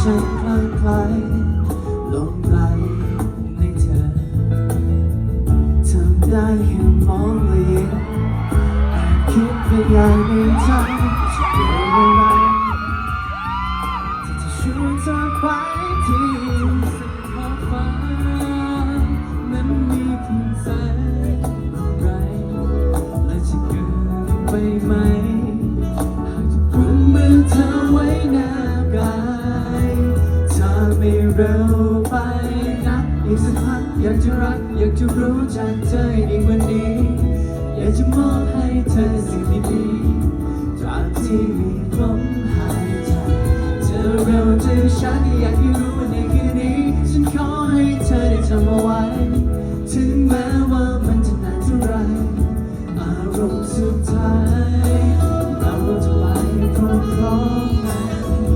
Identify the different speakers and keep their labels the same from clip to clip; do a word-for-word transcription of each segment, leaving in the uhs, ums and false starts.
Speaker 1: ฉันคลั่งไคล้หลงไหลในเธอทำได้แค่มองและยิ้มแอบคิดไปอย่างในใจจะเป็นอะไรที่จะชวนเธอไปที่สุดขอบฟ้านั้นมีเพียงแสงไรและจะเกินไปไหมหากจะกุมมือเธอไว้แนบกายถ้าไม่เร็วไปนักอีกสักพักอยากจะรักอยากจะรู้จักเธอให้ดีกว่านี้อยากจะมอบให้เธอสิ่งดีๆตราบที่มีลมหายใจจะเร็วจะช้าก็อยากให้รู้ว่าในคืนนี้ฉันขอให้เธอได้จำเอาไว้ถึงแม้ว่ามันจะนานเท่าไรอารมณ์สุดท้ายเราจะไปพร้อมๆกัน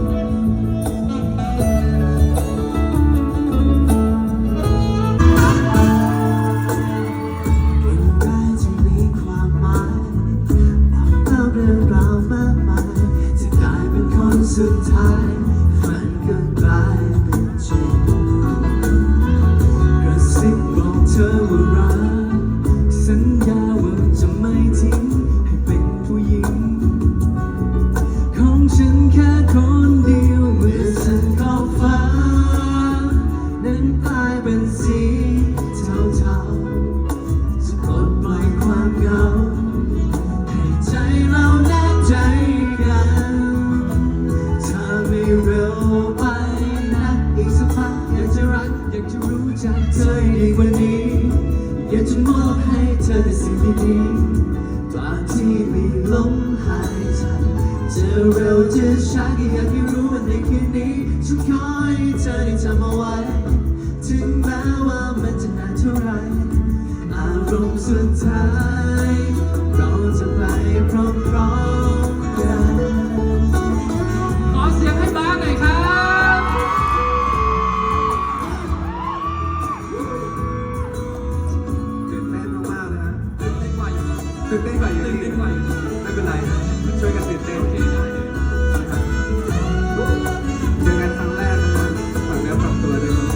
Speaker 1: สุดท้ายฝันก็กลายเป็นจริงกระซิบบอกเธอว่ารักสัญญาว่าจะไม่ทิ้งให้เป็นผู้หญิงของฉันแค่คนเดียวเมื่อฉันขอบฟ้านั้นกลายเป็นสีเทาๆจะปลดปล่อยความเหงาให้ใจเราแนบใจกันไม่เร็วไปนะอีกสักพักอยากจะรักอยากจะรู้จักเธอให้ดีกว่านี้อยากจะมอบให้เธอแต่สิ่งดีๆตราบที่มีลมหายใจจะเร็วจะช้าก็อยากให้รู้ว่าในคืนนี้ฉันขอให้เธอได้จำเอาไว้ถึงแม้ว่ามันจะนานเท่าไรอารมณ์สุดท้ายเราจะไปพร้อมๆกัน
Speaker 2: ขอเสียงให้บ้างหน่อยครับ
Speaker 3: ตื่นเต้นมากๆเลยฮะ
Speaker 2: ตื่นเต้นกว่าอยู่
Speaker 3: ตื่นเต้นกว่าอยู่
Speaker 2: ตื่นเต้นกว่าอยู่
Speaker 3: ไม่เป็นไรช่วยกันตื่นเต้น
Speaker 2: โอเคได้เลย
Speaker 3: เจอกันครั้งแรกนะครับฝันเนื้อฝันตัวเลยครับ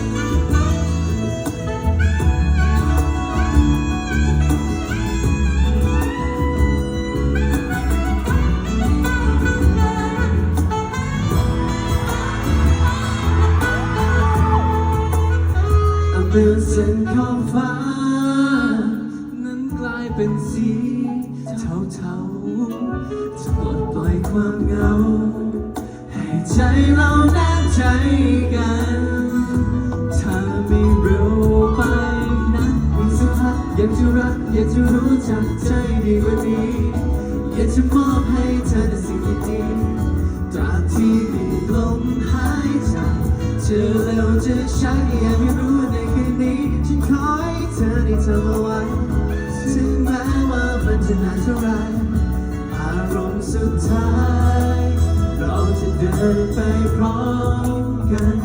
Speaker 1: เมื่อเส้นขอบฟ้านั้นกลายเป็นสีเทาๆจะปลดปล่อยความเหงาให้ใจเราแนบใจกันถ้าไม่เร็วไปนะอีกสักพักอยากจะรักอยากจะรู้จักใจดีกว่านี้อยากจะมอบให้เธอแต่สิ่งดีๆตราบที่มีลมหายใจจะเร็วจะช้าก็อยากให้รู้ในคืนนี้ฉันขอให้เธอได้จำเอาไว้ถึงแม้ว่ามันจะนานเท่าไรอารมณ์สุดท้ายเราจะเดินไปพร้อมกัน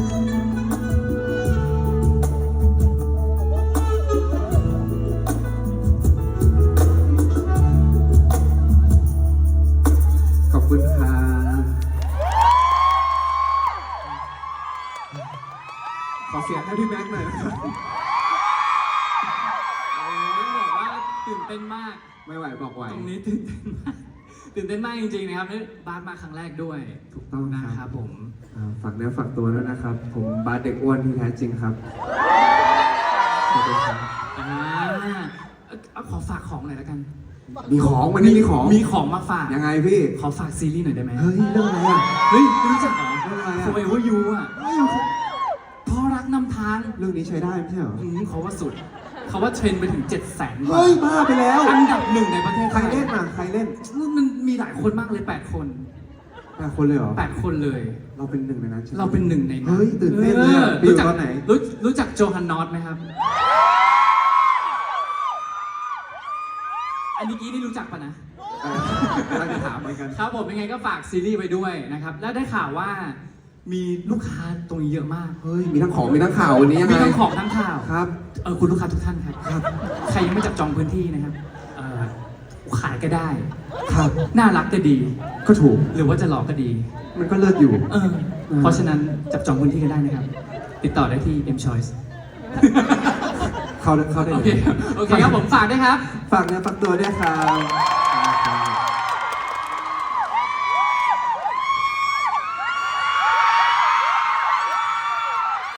Speaker 3: ขอบคุณครับขอเสียงให้พี่แม็กซ์หน่อยนะครับ
Speaker 2: โอ้ยบอกว่าตื่นเต้นมาก
Speaker 3: ไม่ไหวบอกไหว
Speaker 2: ตรงนี้ตื่นเต้นมากตื่นเต้นมากจริงๆนะครับนี่บาสมาครั้งแรกด้วย
Speaker 3: ถูกต้อง
Speaker 2: นะ
Speaker 3: ค
Speaker 2: ค
Speaker 3: รั
Speaker 2: รั
Speaker 3: บบ
Speaker 2: ผม
Speaker 3: อ่าฝากเนื้อฝากตัวด้วยนะครับ ผมบาสเด็กอ้วนที่แท้จริงครับขอบคุณครับ
Speaker 2: อ่าเอาขอฝากของหน่อยแล้วกัน
Speaker 3: มีของวันนี้มีของ
Speaker 2: มีของมาฝาก
Speaker 3: ยังไงพี่
Speaker 2: ขอฝากซีรีส์หน่อยได้ไหม
Speaker 3: เฮ้ยเรื่องอะไรอ่ะ
Speaker 2: เฮ้ยไม่รู้จักเหรอ
Speaker 3: เรื่องอะไรอะ
Speaker 2: Forever You อ่ะเพราะรักนำทาง
Speaker 3: เรื่องนี้ใช้ได้ไม่ใช่เหรอ
Speaker 2: อืมเขาว่าสุด เขาว่าเทรนด์ไปถึงเจ็ดแสนกว่า
Speaker 3: เฮ้ยบ้าไปแล้ว
Speaker 2: อันดับหนึ่งในประเทศ
Speaker 3: ใครเล่นอ่ะใครเล่น
Speaker 2: มันมีหลายคนมากเลยแปดคน
Speaker 3: แปดคนเลยเหรอ
Speaker 2: แปดคนเลย
Speaker 3: เราเป็นหนึ่งในนั้นใช่ไหม
Speaker 2: เราเป็นหนึ่งในนั้น
Speaker 3: เฮ้ยตื่นเต้นเลยอะ
Speaker 2: ออ
Speaker 3: ไปอยู่
Speaker 2: รู้จัก
Speaker 3: ตอนไหน
Speaker 2: รู้รู้จักโจฮันนอตไหมครับ อันนี้กี้นี่รู้จักปะนะ
Speaker 3: เออกำลังจะถามเหมือนกัน
Speaker 2: ครับผมยังไงก็ฝากซีรีส์ไปด้วยนะครับ แล้วได้ข่าวว่ามีลูกค้าตรงนี้เยอะมาก
Speaker 3: เฮ้ยมีทั้งของมีทั้งข่าววันนี้ยังไง
Speaker 2: มีทั้งของทั้งข่าว
Speaker 3: ครับ
Speaker 2: เออคุณลูกค้าทุกท่านครับ
Speaker 3: ครับ
Speaker 2: ใครยังไม่จับจองพื้นที่นะครับเออขายก็ได้
Speaker 3: ครับ
Speaker 2: น่ารักก็ดี
Speaker 3: ก็ถูก
Speaker 2: หรือว่าจะหล่อก็ดี
Speaker 3: มันก็เลิศอยู่
Speaker 2: เออ เพราะฉะนั้นจับจองพื้นที่กันได้นะครับ ติดต่อได้ที่ M Choice
Speaker 3: เข้าเข้าได้
Speaker 2: โอ
Speaker 3: เล
Speaker 2: เค
Speaker 3: ย
Speaker 2: โอเคครับผมฝากด้วยครับ
Speaker 3: ฝากเนื้อฝากตัวด้วยครับ